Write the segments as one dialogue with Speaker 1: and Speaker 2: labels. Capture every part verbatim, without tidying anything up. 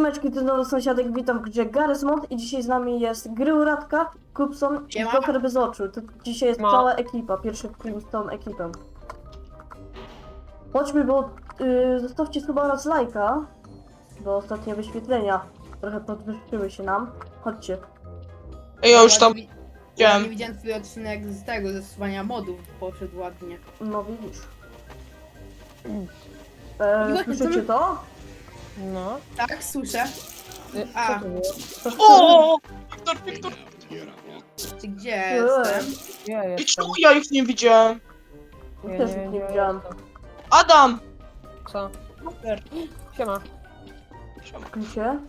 Speaker 1: Siemeczki, to nowy sąsiadek, witam w grze Garysmod i dzisiaj z nami jest Gryuratka, Kupson i
Speaker 2: Siema.
Speaker 1: Joker bez oczu. To dzisiaj jest
Speaker 3: No.
Speaker 1: cała ekipa, pierwszy film z tą ekipą. Chodźmy, bo yy, zostawcie suba oraz lajka, bo ostatnie wyświetlenia trochę podwyższyły się nam. Chodźcie.
Speaker 3: Ej, ja już tam
Speaker 2: Ja
Speaker 3: widziałem.
Speaker 2: nie widziałem twój odcinek z tego, ze stosowania modów, poszedł ładnie.
Speaker 1: No widzisz.
Speaker 2: I
Speaker 1: E,
Speaker 2: właśnie, co
Speaker 1: słyszycie
Speaker 2: my-
Speaker 1: to?
Speaker 3: No.
Speaker 2: Tak, słyszę.
Speaker 3: Y,
Speaker 2: A.
Speaker 3: Co to było?
Speaker 1: To
Speaker 3: O! Wiktor, Wiktor!
Speaker 2: Czy gdzie jestem?
Speaker 3: Ja
Speaker 1: Eee.
Speaker 3: I
Speaker 4: jestem.
Speaker 3: czemu ja ich nie widziałem?
Speaker 1: Ja też ich nie widziałam.
Speaker 3: Adam!
Speaker 4: Co?
Speaker 3: Super.
Speaker 4: Siema.
Speaker 1: Się?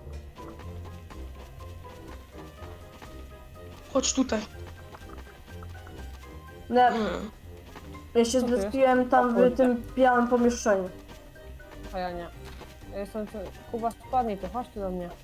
Speaker 3: Chodź tutaj.
Speaker 1: Nie,
Speaker 3: Mm.
Speaker 1: ja się
Speaker 4: Co to jest?
Speaker 1: zrespiłem tam
Speaker 4: O
Speaker 1: w
Speaker 4: kurde.
Speaker 1: tym białym pomieszczeniu.
Speaker 4: A ja nie. Ja jestem tu. Kuba, spadnij tu, chodź tu do mnie.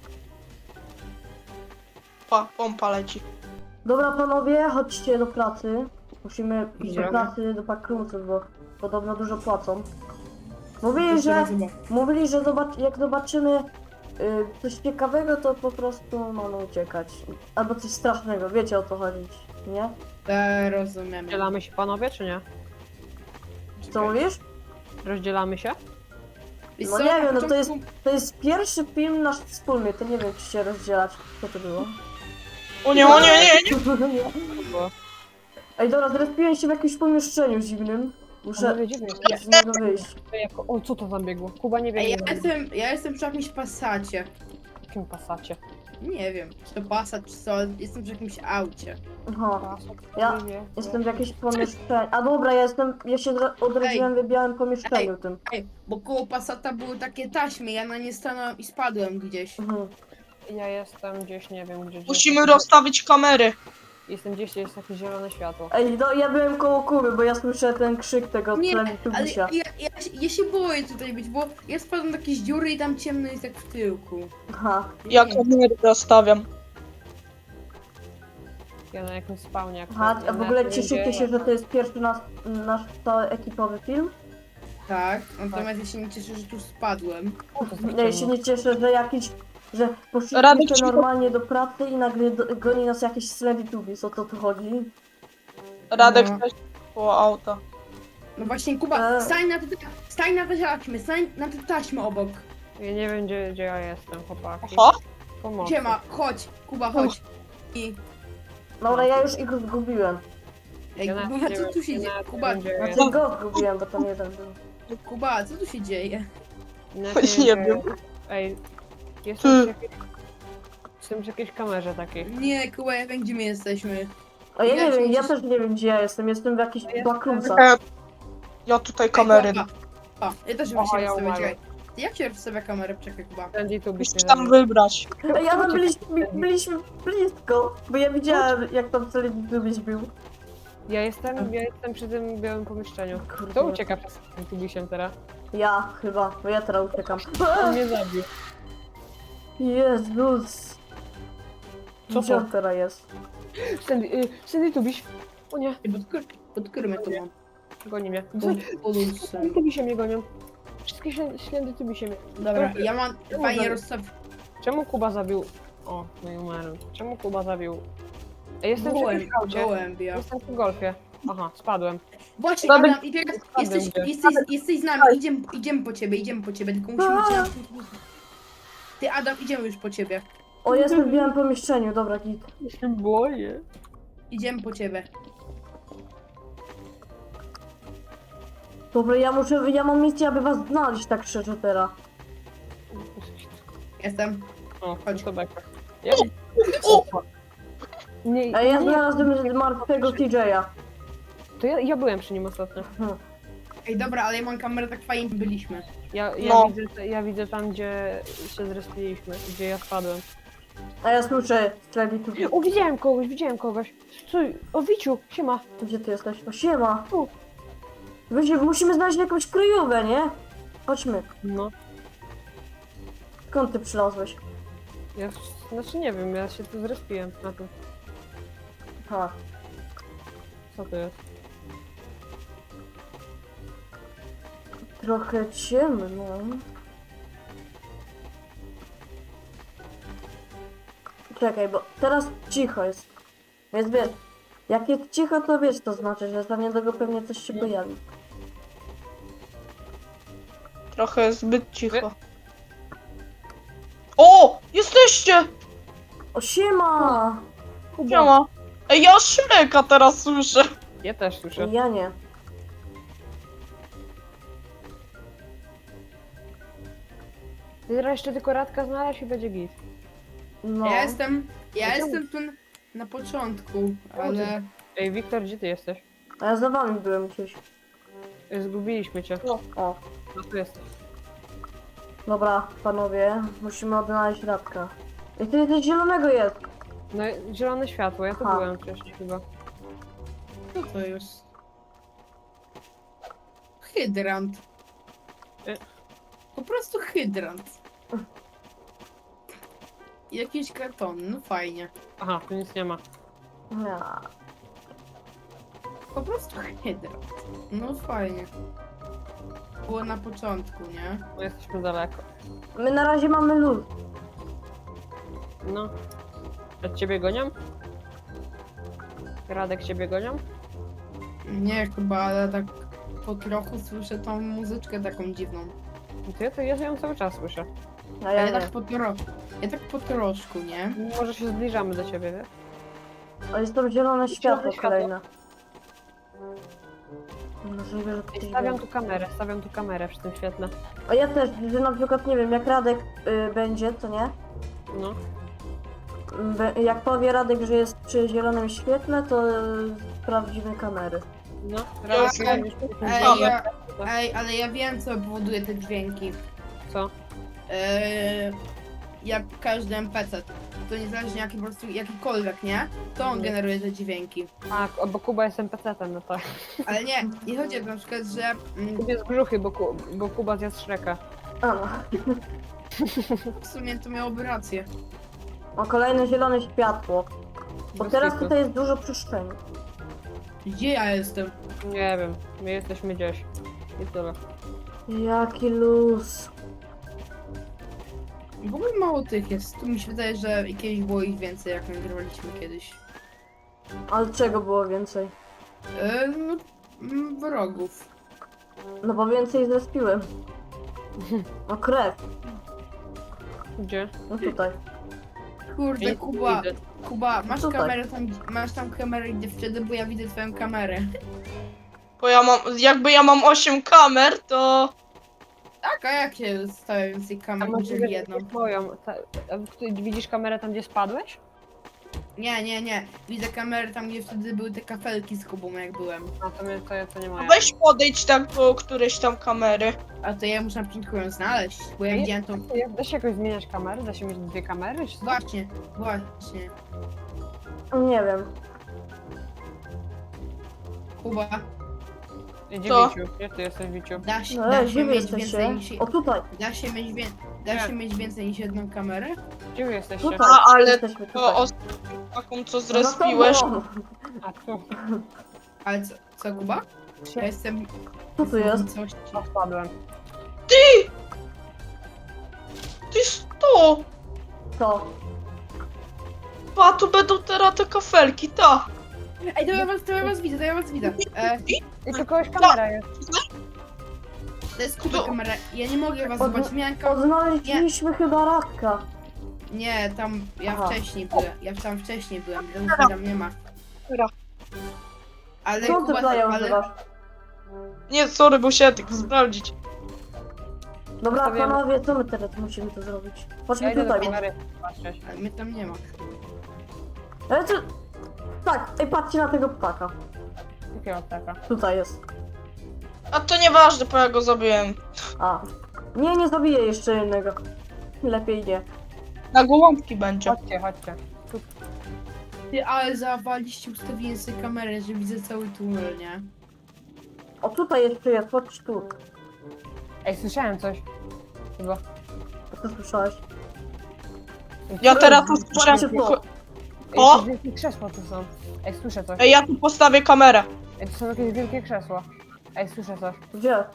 Speaker 3: Pa, pompa leci.
Speaker 1: Dobra panowie, chodźcie do pracy. Musimy iść do
Speaker 4: Idziemy.
Speaker 1: pracy, do pakrumców, bo podobno dużo płacą. Mówili,
Speaker 2: Jeszcze
Speaker 1: że,
Speaker 2: raz zobaczę.
Speaker 1: mówili, że zobacz, jak zobaczymy y, coś ciekawego, to po prostu mamy uciekać. Albo coś strasznego, wiecie o co chodzić, nie?
Speaker 2: E, rozumiem.
Speaker 4: Rozdzielamy się panowie, czy nie?
Speaker 1: Co mówisz?
Speaker 4: Rozdzielamy się?
Speaker 2: Wiesz
Speaker 1: No
Speaker 2: co,
Speaker 1: nie
Speaker 2: na
Speaker 1: wiem, no to
Speaker 2: początku-
Speaker 1: jest, to jest pierwszy film nasz wspólny, to nie wiem czy się rozdzielać. Co to było?
Speaker 3: O nie, o nie, nie, nie!
Speaker 1: Nie.
Speaker 4: To było.
Speaker 1: Ej dobra, zrespiłem się w jakimś pomieszczeniu dziwnym. Muszę
Speaker 4: Panowie, dziwnie.
Speaker 1: z niego wyjść.
Speaker 4: Jako... O, co to tam biegło? Kuba nie
Speaker 2: Ej,
Speaker 4: biegnie.
Speaker 2: ja
Speaker 4: za mną.
Speaker 2: jestem, ja jestem przy jakimś pasacie.
Speaker 4: W jakim pasacie?
Speaker 2: Nie wiem, czy to pasat, czy co, jestem przy jakimś aucie.
Speaker 1: Aha.
Speaker 4: Pasat,
Speaker 1: Ja
Speaker 4: nie wie.
Speaker 1: Jestem w jakimś pomieszczeniu. A dobra, ja jestem. Ja się odra- odrodziłem w białym pomieszczeniu tym.
Speaker 2: Ej, bo koło pasata były takie taśmy, ja na nie stanąłem i spadłem gdzieś.
Speaker 1: Mhm.
Speaker 4: Ja jestem gdzieś, nie wiem, gdzie.
Speaker 3: Musimy
Speaker 4: gdzieś-
Speaker 3: rozstawić kamery.
Speaker 4: Jestem gdzieś, gdzie jest takie zielone światło.
Speaker 1: Ej, no ja byłem koło Kuby, bo ja słyszę ten krzyk tego
Speaker 2: Nie, ale
Speaker 1: Teletubisia.
Speaker 2: ja, ja, ja się boję tutaj być, bo ja spadłem do jakiejś dziury i tam ciemno jest jak w tyłku.
Speaker 1: Aha.
Speaker 3: Ja
Speaker 2: Nie.
Speaker 3: kamery rozstawiam.
Speaker 4: Ja na jakimś spawnie. Jak
Speaker 1: Aha,
Speaker 4: ja
Speaker 1: a w
Speaker 4: na
Speaker 1: ogóle
Speaker 4: tym
Speaker 1: cieszycie
Speaker 4: gdzie-
Speaker 1: się, że to jest pierwszy nasz, nasz cały ekipowy film?
Speaker 2: Tak, natomiast ja się nie cieszę, że tu spadłem.
Speaker 4: O, to
Speaker 1: Ja się nie cieszę, że jakiś. Że poszliśmy
Speaker 3: Radek
Speaker 1: sobie
Speaker 3: ci-
Speaker 1: normalnie do pracy i nagle do, goni nas jakiś Teletubbies, o co tu chodzi?
Speaker 3: Radek
Speaker 2: No.
Speaker 3: też koło auta.
Speaker 2: No właśnie, Kuba,
Speaker 1: E.
Speaker 2: stań na te, stań na te taśmy, stań na te taśmy obok.
Speaker 4: Ja nie wiem, gdzie, gdzie ja jestem, chłopaki.
Speaker 3: Oho?
Speaker 4: Pomocy.
Speaker 2: Siema, chodź, Kuba, chodź. I,
Speaker 1: Dobra, ja już ich zgubiłem.
Speaker 2: ej,
Speaker 4: Ja nawet
Speaker 2: Kuba,
Speaker 4: nie
Speaker 2: co
Speaker 4: wiem,
Speaker 2: tu się
Speaker 4: ja
Speaker 2: dzieje?
Speaker 4: nawet
Speaker 2: Kuba,
Speaker 4: nie wiem, gdzie ja
Speaker 1: Znaczy go zgubiłem, bo tam jeden był.
Speaker 2: Kuba, co tu się dzieje?
Speaker 4: Nawet
Speaker 3: Nie
Speaker 4: gdzie-
Speaker 3: wiem.
Speaker 4: Ej, jestem przy
Speaker 3: Ty.
Speaker 4: jakiejś... Jestem przy jakiejś kamerze takiej.
Speaker 2: Nie, Kuba, ja wiem, gdzie my jesteśmy.
Speaker 1: A ja
Speaker 2: Ja
Speaker 1: nie
Speaker 2: się
Speaker 1: wiem, ja
Speaker 2: nie-
Speaker 1: też nie wiem gdzie ja jestem, jestem w jakichś
Speaker 4: jestem-
Speaker 1: bakrumcach.
Speaker 3: E, Ja tutaj kamery.
Speaker 2: Ej, Kuba. O, ja też
Speaker 4: O,
Speaker 2: bym się
Speaker 4: ja
Speaker 2: rozstawiać,
Speaker 4: umarłem.
Speaker 2: czekaj. Ty jak się rozstawia kamerę? Czekaj, Kuba.
Speaker 4: Prędzej tu byś
Speaker 3: Musisz tam wybrać.
Speaker 1: Ej, ja tam byliśmy, byliśmy blisko, bo ja widziałem jak tam Teletubbies był.
Speaker 4: Ja jestem, ja jestem przy tym białym pomieszczeniu.
Speaker 1: Kurde.
Speaker 4: Kto ucieka przez tym tubisiem teraz?
Speaker 1: Ja chyba, bo ja teraz uciekam.
Speaker 4: On mnie zabił.
Speaker 1: Jezus.
Speaker 4: Co
Speaker 1: Gdzie
Speaker 4: to?
Speaker 1: on teraz jest?
Speaker 4: Sandy, y, Sandy tubiś. O nie,
Speaker 2: Ej, Pod, kur, pod którym ja to mam?
Speaker 4: goni mnie.
Speaker 2: Pod, pod
Speaker 4: Sandy
Speaker 2: usem.
Speaker 4: tubisie mnie gonią. Wszystkie ślędy tubisie mnie.
Speaker 2: Dobra, ja mam fajnie rozstaw...
Speaker 4: Czemu Kuba zabił... O, no i umarłem. Czemu Kuba zabił... Ej, jestem przy
Speaker 2: Gołem,
Speaker 4: jakimś aucie.
Speaker 2: gołębia.
Speaker 4: Jestem przy golfie. Aha, spadłem.
Speaker 2: Właśnie,
Speaker 3: Dobra.
Speaker 2: Adam, i teraz jesteś,
Speaker 4: Spadłem,
Speaker 2: jesteś, jesteś z nami, idziemy, idziemy po ciebie, idziemy po ciebie, tylko musimy cię... Ty, Adam, idziemy już po ciebie.
Speaker 1: O, jestem w białym pomieszczeniu, dobra, git.
Speaker 4: Ja się boję.
Speaker 2: Idziemy po ciebie.
Speaker 1: Dobra, ja muszę, ja mam misję, aby was znaleźć tak szczerze teraz.
Speaker 2: Jestem.
Speaker 4: O,
Speaker 2: Chodź.
Speaker 4: chodź to beka. Ja...
Speaker 3: O!
Speaker 4: Nie,
Speaker 1: Ej, ja
Speaker 4: nie,
Speaker 1: znalazłem martwego T J a.
Speaker 4: to ja, ja byłem przy nim ostatnio.
Speaker 1: Hmm.
Speaker 2: Ej, dobra, ale ja mam kamerę, tak fajnie byliśmy.
Speaker 4: Ja, ja,
Speaker 3: No.
Speaker 4: widzę, ja widzę tam, gdzie się zrespiliśmy, gdzie ja spadłem.
Speaker 1: A ja słyszę Teletubbies.
Speaker 4: O, widziałem kogoś, widziałem kogoś. Stój, o Wiciu, siema.
Speaker 1: Gdzie ty jesteś? O, siema.
Speaker 4: Tu.
Speaker 1: Wiecie, musimy znaleźć jakąś kryjówkę, nie? Chodźmy.
Speaker 4: No,
Speaker 1: Skąd ty przylazłeś?
Speaker 4: ja, znaczy nie wiem, ja się tu zrespiłem na tym.
Speaker 1: Aha.
Speaker 4: Co to jest?
Speaker 1: Trochę ciemno. czekaj, bo teraz cicho jest. Więc wiesz, jak jest cicho, to wiesz, to znaczy, że za niedługo pewnie coś się pojawi.
Speaker 3: Trochę zbyt cicho. O! Jesteście!
Speaker 1: O, siema!
Speaker 3: Siema. Ej, ja Szreka teraz słyszę.
Speaker 4: Ja też słyszę.
Speaker 1: Ja nie.
Speaker 4: Ty teraz jeszcze tylko Radka znaleźć i będzie git.
Speaker 1: No.
Speaker 2: Ja jestem, ja
Speaker 4: A czemu?
Speaker 2: jestem tu na początku, ale...
Speaker 4: Ej, Wiktor, gdzie ty jesteś?
Speaker 1: A ja za wami byłem gdzieś.
Speaker 4: Zgubiliśmy cię.
Speaker 1: O,
Speaker 4: No tu jesteś.
Speaker 1: dobra, panowie, musimy odnaleźć Radka. I ty coś zielonego jest.
Speaker 4: No zielone światło, ja tu
Speaker 1: Aha.
Speaker 4: byłem wcześniej chyba.
Speaker 2: Co to jest? Hydrant.
Speaker 4: Y.
Speaker 2: Po prostu hydrant. Jakiś karton, no fajnie.
Speaker 4: Aha, tu nic nie ma.
Speaker 1: Ja.
Speaker 2: Po prostu hydrant. No fajnie. Było na początku, nie?
Speaker 4: No jesteśmy daleko.
Speaker 1: My na razie mamy luz.
Speaker 4: No. A ciebie gonią? Radek ciebie gonią?
Speaker 2: Nie chyba, ale tak po trochu słyszę tą muzyczkę taką dziwną.
Speaker 4: No to ja, to ja ją cały czas słyszę.
Speaker 1: A
Speaker 2: A
Speaker 1: ja
Speaker 2: ja
Speaker 1: nie.
Speaker 2: tak po trochu. Ja tak po troszku, nie?
Speaker 4: Może się zbliżamy do ciebie, wiesz?
Speaker 1: A jest tam zielone światło
Speaker 4: światło.
Speaker 1: kolejne. Możliwe, że to
Speaker 4: Ej,
Speaker 1: coś
Speaker 4: stawiam
Speaker 1: będzie.
Speaker 4: tu kamerę, stawiam tu kamerę przy tym świetle.
Speaker 1: A ja też, że na przykład nie wiem, jak Radek y, będzie, to nie?
Speaker 4: No.
Speaker 1: Be, jak powie Radek, że jest przy zielonym świetle, to y, sprawdzimy kamery.
Speaker 4: No.
Speaker 3: Ja
Speaker 4: Radek,
Speaker 3: już-
Speaker 4: będziesz przy tym
Speaker 2: Ej,
Speaker 4: świetle.
Speaker 2: ja, ej, ale ja wiem co powoduje te dźwięki.
Speaker 4: Co?
Speaker 2: Eee, jak każdy N P C. To niezależnie jaki po prostu jakikolwiek, nie? To on
Speaker 4: Mhm.
Speaker 2: generuje te dźwięki.
Speaker 4: Tak, o, bo Kuba jest en pe ce tem, no tak.
Speaker 2: Ale nie, nie chodzi o to na przykład, że. Mm,
Speaker 4: Kubie z brzuchy, bo, ku, bo Kuba zjadł Shreka.
Speaker 1: A no.
Speaker 2: w sumie to miałoby rację.
Speaker 1: O, kolejne zielone światło. Bo
Speaker 4: Bez
Speaker 1: teraz
Speaker 4: kitu.
Speaker 1: tutaj jest dużo przestrzeni.
Speaker 2: Gdzie ja jestem?
Speaker 4: Nie wiem, my jesteśmy gdzieś. I tyle.
Speaker 1: Jaki luz.
Speaker 2: W ogóle mało tych jest. Tu mi się wydaje, że kiedyś było ich więcej, jak nagrywaliśmy kiedyś.
Speaker 1: Ale czego było więcej?
Speaker 2: Eee, no, mm, wrogów.
Speaker 1: No bo więcej zespiłem. O, krew.
Speaker 4: Gdzie?
Speaker 1: No tutaj.
Speaker 2: Kurde,
Speaker 4: Nie
Speaker 2: Kuba,
Speaker 4: widzę.
Speaker 2: Kuba, masz
Speaker 1: Tutaj.
Speaker 2: kamerę tam, masz tam kamerę gdzie wtedy, bo ja widzę twoją kamerę.
Speaker 3: Bo ja mam, jakby ja mam osiem kamer, to...
Speaker 2: Tak, a jak się stawia więcej
Speaker 4: A
Speaker 2: kamer,
Speaker 4: może
Speaker 2: niż jedną?
Speaker 4: moją. Ta, a ty widzisz kamerę tam, gdzie spadłeś?
Speaker 2: Nie, nie, nie. Widzę kamerę tam, gdzie wtedy były te kafelki z Kubą, jak byłem.
Speaker 4: A to, mnie, to, to nie moja.
Speaker 3: Weź podejdź tak do którejś tam kamery.
Speaker 2: A to ja muszę na początku ją znaleźć, bo ja
Speaker 4: Nie?
Speaker 2: widziałem tą...
Speaker 4: Jak da się jakoś zmieniać kamery? Da się mieć dwie kamery? Czy co?
Speaker 2: Właśnie, właśnie.
Speaker 1: Nie wiem.
Speaker 2: Kuba,
Speaker 4: Gdzie
Speaker 3: Co?
Speaker 4: Wiciu? Gdzie ty jesteś, Wiciu?
Speaker 2: da się,
Speaker 1: No,
Speaker 2: da
Speaker 1: ale
Speaker 2: się
Speaker 1: gdzie wy
Speaker 2: mieć więcej
Speaker 1: jesteście?
Speaker 2: niż...
Speaker 1: O, tutaj.
Speaker 2: Da się mieć, wię... da
Speaker 4: Jak?
Speaker 2: się mieć więcej niż jedną kamerę?
Speaker 4: Gdzie wy jesteście?
Speaker 1: Tutaj.
Speaker 3: A, ale
Speaker 1: Jesteśmy
Speaker 3: to
Speaker 1: tutaj.
Speaker 3: o taką co
Speaker 1: No
Speaker 3: zrespiłeś.
Speaker 1: to było.
Speaker 4: A tu.
Speaker 2: Ale co, co Kuba? Ja jestem...
Speaker 1: Co tu jest?
Speaker 2: Coś...
Speaker 4: O, spadłem.
Speaker 3: Ty sto!
Speaker 1: Co?
Speaker 3: A tu będą teraz te kafelki, ta.
Speaker 2: Ej, to ja was, to ja was widzę, to ja was widzę. E,
Speaker 4: I tu kogoś kamera jest.
Speaker 2: to jest Kuba kamera. Ja nie mogę was
Speaker 1: Od-
Speaker 2: zobaczyć, miałem kamerę...
Speaker 1: Odnaleźliśmy chyba Radka.
Speaker 2: Nie, tam ja
Speaker 1: Aha.
Speaker 2: wcześniej byłem. Ja tam wcześniej byłem, więc tam nie ma.
Speaker 3: Dobra.
Speaker 2: Ale
Speaker 1: Co ty
Speaker 2: Kuba,
Speaker 1: playa
Speaker 2: ale,
Speaker 1: używasz?
Speaker 3: Nie, sorry, bo się tylko sprawdzić.
Speaker 1: Dobra,
Speaker 4: Stawiam-
Speaker 1: panowie, co my teraz musimy to zrobić?
Speaker 4: Ja
Speaker 1: Chodźmy
Speaker 4: idę do
Speaker 1: tutaj.
Speaker 4: kamery patrzeć.
Speaker 2: ale mnie tam nie ma.
Speaker 1: Ale co? Tak, ej, patrzcie na tego ptaka.
Speaker 4: Jakiego taka?
Speaker 1: Tutaj jest.
Speaker 3: A to nieważne, bo ja go zabiłem.
Speaker 1: A. Nie, nie zabiję jeszcze jednego. Lepiej nie.
Speaker 3: Na gołąbki będzie.
Speaker 4: Chodźcie, chodźcie. Tu.
Speaker 2: Ty, ale zawaliście ustawienie sobie kamerę, że widzę cały tunel, nie?
Speaker 1: O, tutaj jeszcze jest, chodź tu.
Speaker 4: Ej, słyszałem coś. Chyba.
Speaker 1: Co słyszałeś?
Speaker 3: Ja teraz tu
Speaker 1: Patrzcie
Speaker 3: słyszę.
Speaker 1: tu.
Speaker 4: Ej,
Speaker 3: O!
Speaker 4: jakieś wielkie krzesła tu są. Ej, słyszę coś.
Speaker 3: Ej, ja tu postawię kamerę.
Speaker 4: Ej, tu są jakieś wielkie krzesła. Ej, słyszę coś.
Speaker 1: Gdzie?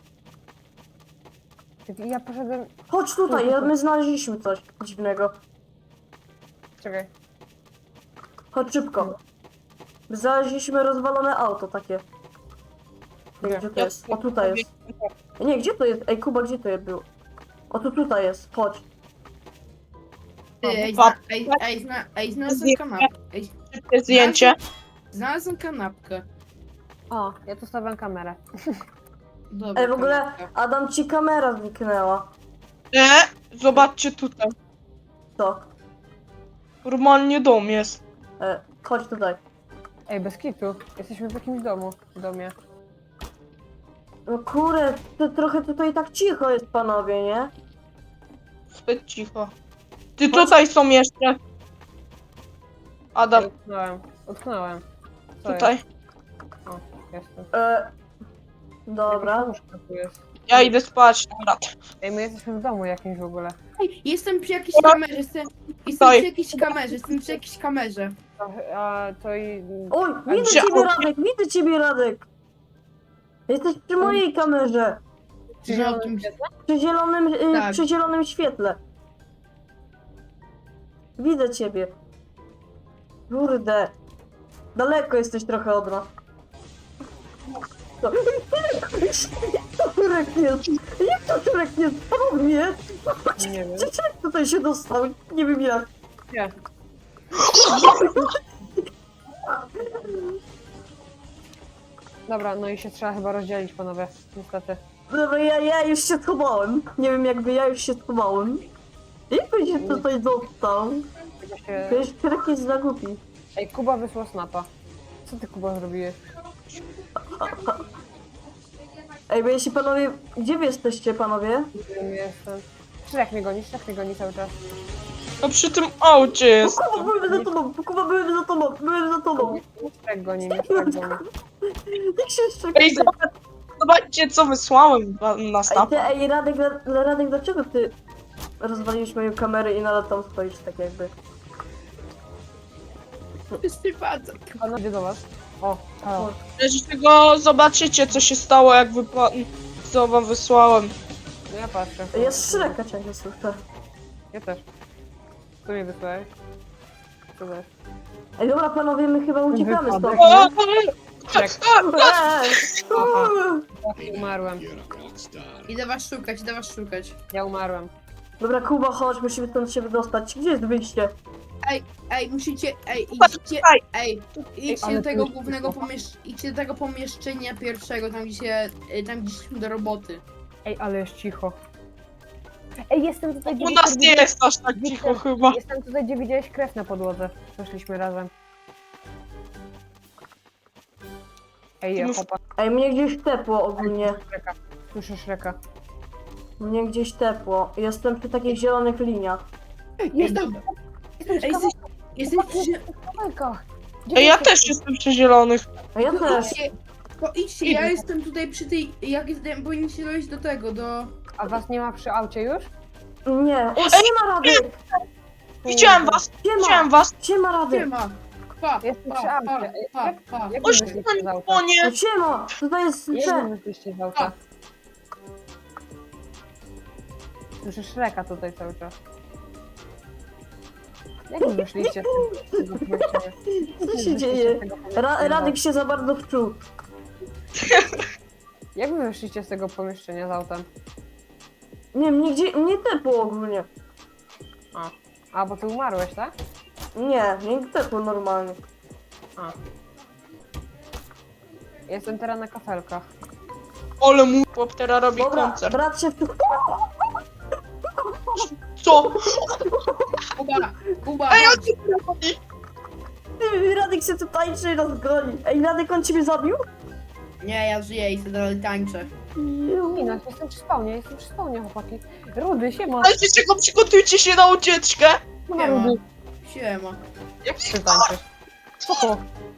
Speaker 4: Ty- Ja poszedłem...
Speaker 1: Chodź tutaj, ja- my znaleźliśmy coś dziwnego.
Speaker 4: Czekaj.
Speaker 1: Chodź szybko. Znaleźliśmy rozwalone auto takie.
Speaker 4: Nie.
Speaker 1: Gdzie to jest? O, tutaj jest. Nie, gdzie to jest? Ej, Kuba, gdzie to jest był? O, tu tutaj jest. Chodź.
Speaker 2: Ty, ej,
Speaker 3: Pa-
Speaker 2: zna, ej, ej, zna, ej, znalazłem kanapkę. Ej,
Speaker 3: Szybkie zdjęcie.
Speaker 2: znalazłem kanapkę.
Speaker 4: O, ja tu stawiam kamerę.
Speaker 2: Dobra,
Speaker 1: Ej, w ogóle
Speaker 2: kanapka.
Speaker 1: Adam, ci kamera zniknęła.
Speaker 3: E, zobaczcie tutaj.
Speaker 1: Co?
Speaker 3: Normalnie dom jest.
Speaker 1: E, chodź tutaj.
Speaker 4: Ej, bez kitu. Jesteśmy w jakimś domu. W domie.
Speaker 1: No kurde, to trochę tutaj tak cicho jest, panowie, nie?
Speaker 3: Zbyt cicho. Ty tutaj są jeszcze. Adam,
Speaker 4: Ej, utknąłem. Utknąłem. Co
Speaker 3: tutaj.
Speaker 4: Jest? O, jestem.
Speaker 1: E, dobra.
Speaker 4: Jakaś łóżka tu jest.
Speaker 3: Ja idę spać. Dobra.
Speaker 4: Ej, my jesteśmy w domu jakimś w ogóle.
Speaker 2: Ej, jestem przy jakiejś kamerze, jestem, jestem
Speaker 3: Stoi.
Speaker 2: przy jakiejś kamerze, jestem przy jakiejś kamerze.
Speaker 4: A, a to i...
Speaker 1: Oj, widzę
Speaker 3: gdzie-
Speaker 1: ciebie,
Speaker 3: o,
Speaker 1: Radek, widzę ciebie, Radek. Jesteś przy mojej kamerze.
Speaker 4: Przy
Speaker 2: Że o
Speaker 4: zielonym
Speaker 2: tym-
Speaker 4: świetle?
Speaker 1: Przy zielonym, y,
Speaker 2: Tak.
Speaker 1: przy zielonym świetle. Widzę ciebie. Kurde. Daleko jesteś trochę od nas. To- Jak to Turek jest? Jak to Turek jest? Panowie!
Speaker 4: Nie wiem.
Speaker 1: Czy Turek tutaj się dostał? Nie wiem jak.
Speaker 4: Nie. Dobra, no i się trzeba chyba rozdzielić, panowie. Niestety.
Speaker 1: Dobra, ja, ja już się schowałem. Nie wiem jakby, ja już się schowałem. Jak on się tutaj dostał?
Speaker 4: Chyba się...
Speaker 1: Wiesz, Turek jest za głupi.
Speaker 4: Ej, Kuba wysłał snapa. Co ty, Kuba, zrobiłeś?
Speaker 1: Ej, bo jeśli panowie... Gdzie wy jesteście, panowie?
Speaker 4: Nie wiem, jestem... Szrek mnie goni, Szrek mnie goni cały czas.
Speaker 3: No przy tym aucie jest.
Speaker 1: Kuba, byłem za tobą! Kuba, byłem za tobą! Byłem za tobą!
Speaker 4: Szrek goni mnie, Szrek goni.
Speaker 1: Jak się jeszcze...
Speaker 3: Ej, zobacz, zobaczcie co wysłałem na- na
Speaker 1: Ej,
Speaker 3: snapa.
Speaker 1: ty, ej, Radek, Ra- Radek, dlaczego ty rozwaliłeś moją kamerę i nadal tam stoisz tak jakby?
Speaker 2: Wszyscy patrzą.
Speaker 4: Pana idzie do was. O, halo.
Speaker 3: Wreszcie go zobaczycie co się stało jak wypa... co wam wysłałem.
Speaker 4: No ja patrzę.
Speaker 1: Jest Shreka ciągle słyszę.
Speaker 4: Ja też. Tu mnie wysłałeś? Co to jest?
Speaker 1: Ej, dobra panowie, my chyba uciekamy stąd,
Speaker 4: Wypadek.
Speaker 3: O,
Speaker 1: nie?
Speaker 4: Szrek.
Speaker 1: Ej!
Speaker 4: Aha.
Speaker 1: uuu.
Speaker 4: Ja umarłem.
Speaker 2: Idę was szukać, idę was szukać.
Speaker 4: Ja umarłem.
Speaker 1: Dobra, Kuba, chodź, musimy stąd się wydostać. Gdzie jest wyjście?
Speaker 2: Ej, ej, musicie, ej, idźcie,
Speaker 3: Tutaj.
Speaker 2: ej, idźcie
Speaker 4: ale
Speaker 2: do tego
Speaker 4: tu-
Speaker 2: głównego pomieszczenia, idźcie do tego pomieszczenia pierwszego, tam gdzie się, y, tam gdzie szliśmy do roboty.
Speaker 4: Ej, ale jest cicho. Ej, jestem tutaj, gdzie
Speaker 3: U nas nie
Speaker 4: widziałeś-
Speaker 3: jest aż tak cicho chyba.
Speaker 4: Jestem tutaj, gdzie widziałeś krew na podłodze. Weszliśmy razem. Ej,
Speaker 3: Ty
Speaker 4: ja
Speaker 3: mus-
Speaker 4: chłopak,
Speaker 1: Ej, mnie gdzieś tepło ogólnie.
Speaker 4: Szreka. Słyszę Szreka.
Speaker 1: Mnie gdzieś tepło. Jestem przy takich zielonych liniach.
Speaker 4: Jestem!
Speaker 2: Ej,
Speaker 4: Jestem
Speaker 2: jesteś, jesteś przy,
Speaker 4: w kawałkach.
Speaker 3: Ej, ja też jestem przy zielonych.
Speaker 1: A ja
Speaker 2: to
Speaker 1: też.
Speaker 2: idźcie, to idźcie, ja jestem tutaj przy tej, jak jestem, powinniście dojść do tego, do...
Speaker 4: A was nie ma przy aucie już?
Speaker 1: Nie. O, siema Radek!
Speaker 3: Widziałem was,
Speaker 1: Siema!
Speaker 3: widziałem was.
Speaker 1: Siema Radek!
Speaker 2: Siema! Pa,
Speaker 4: Jestem
Speaker 2: pa,
Speaker 4: przy
Speaker 2: pa,
Speaker 4: aucie.
Speaker 2: pa,
Speaker 4: Jak-
Speaker 2: pa.
Speaker 4: Jak
Speaker 3: Oś
Speaker 4: wy
Speaker 3: na
Speaker 4: wyszliście z auta?
Speaker 1: O,
Speaker 3: nie.
Speaker 1: siema! Tutaj jest
Speaker 4: Jak
Speaker 1: ten.
Speaker 4: wy wyszliście z auta? Słyszę Szreka tutaj cały czas. Jak wy wyszliście z tego pomieszczenia?
Speaker 1: Co się dzieje? Ra Radek się za bardzo wczuł.
Speaker 4: Jak wy wyszliście z tego pomieszczenia z autem?
Speaker 1: Nie, mnie, gdzie, mnie tepło ogólnie.
Speaker 4: A, a bo ty umarłeś, tak?
Speaker 1: Nie, mnie tepło normalnie.
Speaker 4: A. Jestem teraz na kafelkach.
Speaker 3: Ale mój chłop teraz robi
Speaker 1: Dobra,
Speaker 3: koncert.
Speaker 1: brat się wczuł.
Speaker 3: Co?
Speaker 2: Kuba, Kuba,
Speaker 3: Ej,
Speaker 2: chodź.
Speaker 3: on cię robi.
Speaker 1: Ty, Radek się tu tańczy i nas goni. Ej, Radek, on ciebie zabił?
Speaker 2: Nie, ja żyję i sobie dalej tańczę.
Speaker 4: Nie no, jestem przy spawnie, jestem przy spawnie, chłopaki. Rudy, siema.
Speaker 3: Ale czego przygotujcie się na ucieczkę?
Speaker 4: Siema,
Speaker 2: Siema.
Speaker 4: Rudy.
Speaker 2: Siema.
Speaker 3: Jak
Speaker 4: Ty tańczysz. Co to?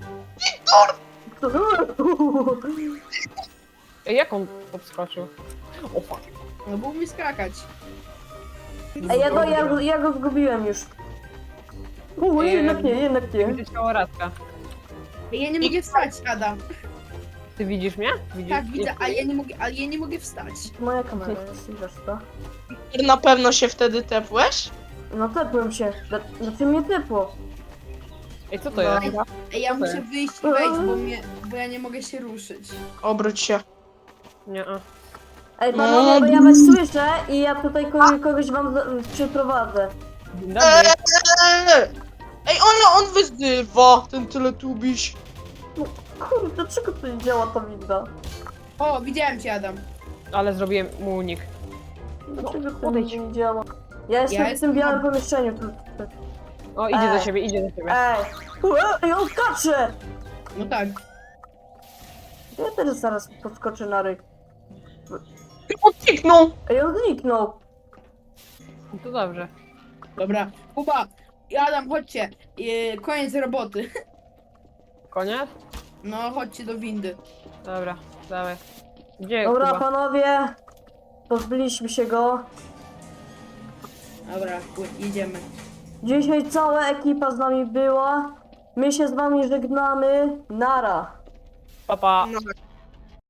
Speaker 4: Ej, jak on podskoczył? O fuck.
Speaker 2: No był mi skakać.
Speaker 1: Ej, ja go, ja, go- ja go zgubiłem już. U,
Speaker 4: Ej,
Speaker 1: jednak nie, jednak nie.
Speaker 4: Widzę ciało Radka.
Speaker 2: Ej, ja nie mogę wstać, Adam.
Speaker 4: Ty widzisz mnie? Widzisz?
Speaker 2: Tak, widzę, ale ja nie mogę, ale ja nie mogę wstać.
Speaker 1: Moja kamera jest, wiesz co?
Speaker 3: na pewno się wtedy tepłeś?
Speaker 1: No tepłem się. Dla- Znaczy mnie tepło.
Speaker 4: Ej, co to
Speaker 3: No.
Speaker 4: jest?
Speaker 2: Ej, ja
Speaker 4: Co to
Speaker 2: muszę
Speaker 4: jest?
Speaker 2: wyjść i wejść, bo, mnie, bo ja nie mogę się ruszyć.
Speaker 3: Obróć się.
Speaker 4: Nie, a.
Speaker 1: Ej, panowie, bo ja was słyszę i ja tutaj kogoś, kogoś wam z- przyprowadzę.
Speaker 4: Dzień dobry.
Speaker 3: Eee! Ej, on, on wyzywa, ten teletubiś.
Speaker 1: Kurde, dlaczego to nie działa ta winda?
Speaker 2: O, widziałem cię, Adam.
Speaker 4: Ale zrobiłem mu unik.
Speaker 1: Dlaczego to
Speaker 4: odejdź.
Speaker 1: nie działa? Ja jestem
Speaker 2: Ja
Speaker 1: w tym
Speaker 2: jestem
Speaker 1: białym
Speaker 2: ob-
Speaker 1: pomieszczeniu. tu- tu-
Speaker 4: O, idzie
Speaker 1: Ej.
Speaker 4: do siebie, idzie do siebie.
Speaker 1: Ej! Ej, on skacze!
Speaker 2: No tak.
Speaker 1: Ja też zaraz podskoczę na ryk.
Speaker 3: On kliknął.
Speaker 1: Ej, on zniknął.
Speaker 4: No to dobrze.
Speaker 2: Dobra. Kuba i Adam, chodźcie. Yy, koniec roboty.
Speaker 4: Koniec?
Speaker 2: No, chodźcie do windy.
Speaker 4: Dobra, dawaj. Gdzie
Speaker 1: Dobra,
Speaker 4: Kuba?
Speaker 1: panowie. Pozbyliśmy się go.
Speaker 2: Dobra, jedziemy.
Speaker 1: Dzisiaj cała ekipa z nami była. My się z wami żegnamy. Nara.
Speaker 4: Papa.
Speaker 3: No.